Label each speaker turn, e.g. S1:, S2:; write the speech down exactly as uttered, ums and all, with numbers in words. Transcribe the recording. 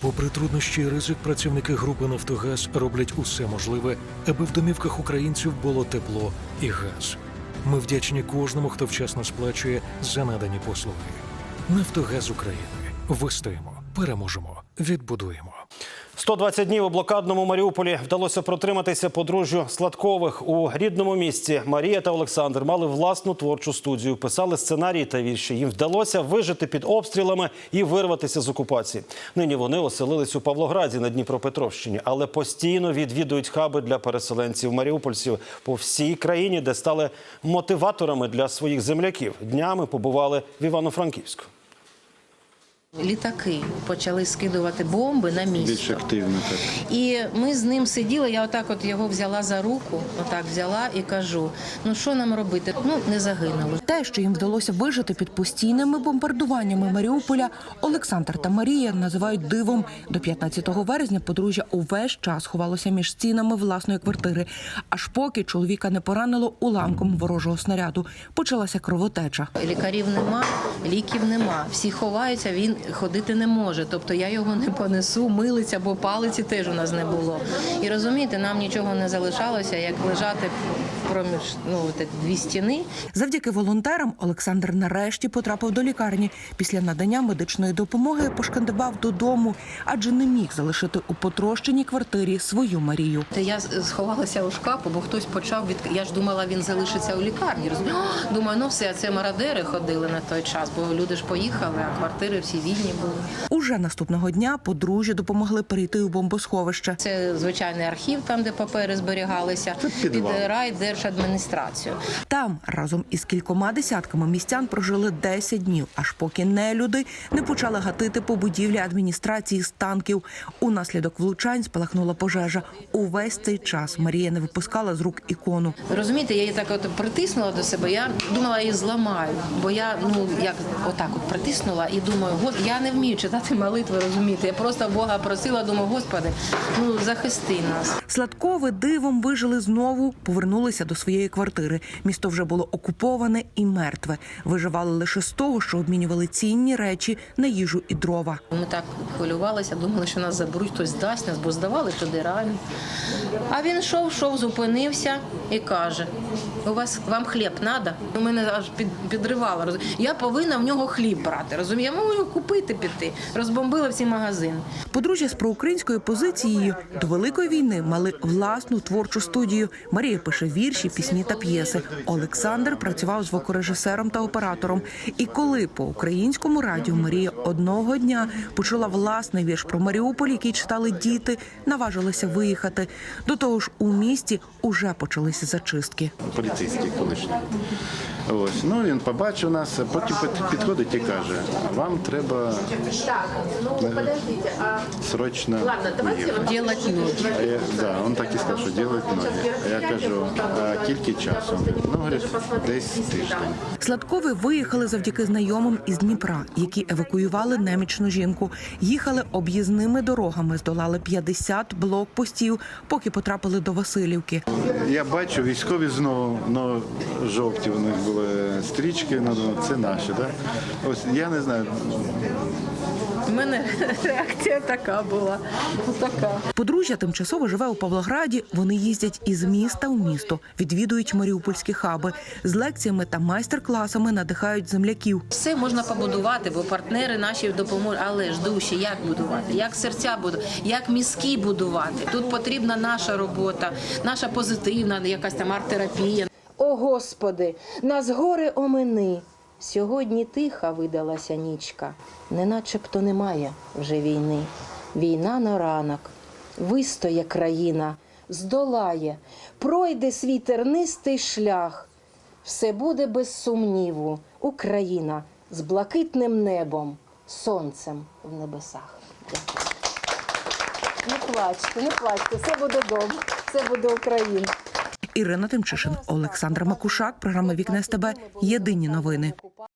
S1: Попри труднощі і ризик, працівники групи «Нафтогаз» роблять усе можливе, аби в домівках українців було тепло і газ. Ми вдячні кожному, хто вчасно сплачує за надані послуги. «Нафтогаз України». Вистоїмо, переможемо, відбудуємо.
S2: сто двадцять днів у блокадному Маріуполі вдалося протриматися подружжю Сладкових. У рідному місті Марія та Олександр мали власну творчу студію, писали сценарії та вірші. Їм вдалося вижити під обстрілами і вирватися з окупації. Нині вони оселились у Павлограді на Дніпропетровщині, але постійно відвідують хаби для переселенців-маріупольців по всій країні, де стали мотиваторами для своїх земляків. Днями побували в Івано-Франківську.
S3: Літаки почали скидувати бомби на місто.
S4: Більш активно так.
S3: І ми з ним сиділи, я отак от його взяла за руку, отак взяла і кажу, ну що нам робити? Ну, не загинули.
S5: Те, що їм вдалося вижити під постійними бомбардуваннями Маріуполя, Олександр та Марія називають дивом. До п'ятнадцятого березня подружжя увесь час ховалося між стінами власної квартири. Аж поки чоловіка не поранило уламком ворожого снаряду. Почалася кровотеча.
S3: Лікарів нема, ліків нема. Всі ховаються, він ходити не може. Тобто я його не понесу, милиця, бо палиці теж у нас не було. І розумієте, нам нічого не залишалося, як лежати проміж ну, дві стіни.
S5: Завдяки волонтерам Олександр нарешті потрапив до лікарні. Після надання медичної допомоги пошкандибав додому, адже не міг залишити у потрощеній квартирі свою Марію.
S3: Я сховалася у шкафу, бо хтось почав від... Я ж думала, він залишиться у лікарні. Розумію? Думаю, ну все, це мародери ходили на той час, бо люди ж поїхали, а квартири всі вільні були.
S5: Уже наступного дня подружжя допомогли перейти у бомбосховище.
S3: Це звичайний архів, там, де папери зберігалися, під райдержадміністрацію.
S5: Там разом із кількома десятками містян прожили десять днів, аж поки нелюди не почали гатити по будівлі адміністрації з танків. Унаслідок влучань спалахнула пожежа. Увесь цей час Марія не випускала з рук ікону.
S3: Розумієте, я її так от притиснула до себе, я думала, її зламаю, бо я, ну, як отак от притиснула і думаю, я не вмію читати молитви, розумієте, я просто Бога просила, думаю, Господи, ну, захисти нас.
S5: Сладкови дивом вижили знову, повернулися до своєї квартири. Місто вже було окуповане і мертве. Виживали лише з того, що обмінювали цінні речі на їжу і дрова.
S3: Ми так хвилювалися, думали, що нас заберуть, хтось дасть нас, бо здавали туди реально. А він йшов, йшов, зупинився і каже, у вас, вам хліб треба? У мене аж під, підривало. Роз... Я повинна в нього хліб брати, розумієте? Я можу купити піти. Розбомбили всі магазини.
S5: Подружжя з проукраїнською позицією до Великої війни мали власну творчу студію. Марія пише вірші, пісні та п'єси. Олександр працював звукорежисером та оператором. І коли по українському радіо Марія одного дня почула власний вірш про Маріуполь, який читали діти, наважилася виїхати. До того ж, у місті уже почалися зачистки.
S4: Поліцейський колишній. Ось, ну він побачив нас, потім підходить і каже, вам треба срочно уїхати.
S3: Ділати ноги.
S4: А я, да, він так і сказав, що робити ноги. А я кажу, а кілька часу? Ну, говорить, десь тиждень.
S5: Сладкові виїхали завдяки знайомим із Дніпра, які евакуювали немічну жінку. Їхали об'їзними дорогами, здолали п'ятдесят блокпостів, поки потрапили до Василівки.
S4: Я бачу, військові знову, ну, жовті у них були стрічки, ну, це наші, так? Да? Ось, я не знаю.
S3: У мене реакція така була. Така.
S5: Подружжя тимчасово живе у Павлограді. Вони їздять із міста в місто, відвідують маріупольські хаби. З лекціями та майстер-класами надихають земляків.
S3: Все можна побудувати, бо партнери наші допоможуть. Але ж душі, як будувати, як серця будувати, як мізки будувати. Тут потрібна наша робота, наша позитивна якась там арт-терапія. О, Господи, нас горе омини. Сьогодні тиха видалася нічка, не начебто немає вже війни. Війна на ранок, вистоє країна, здолає, пройде свій тернистий шлях. Все буде без сумніву, Україна з блакитним небом, сонцем в небесах. Дякую. Не плачте, не плачте, все буде добре, все буде Україна.
S5: Ірина Тимчишин, Олександр Макушак, програма «Вікна СТБ», єдині новини.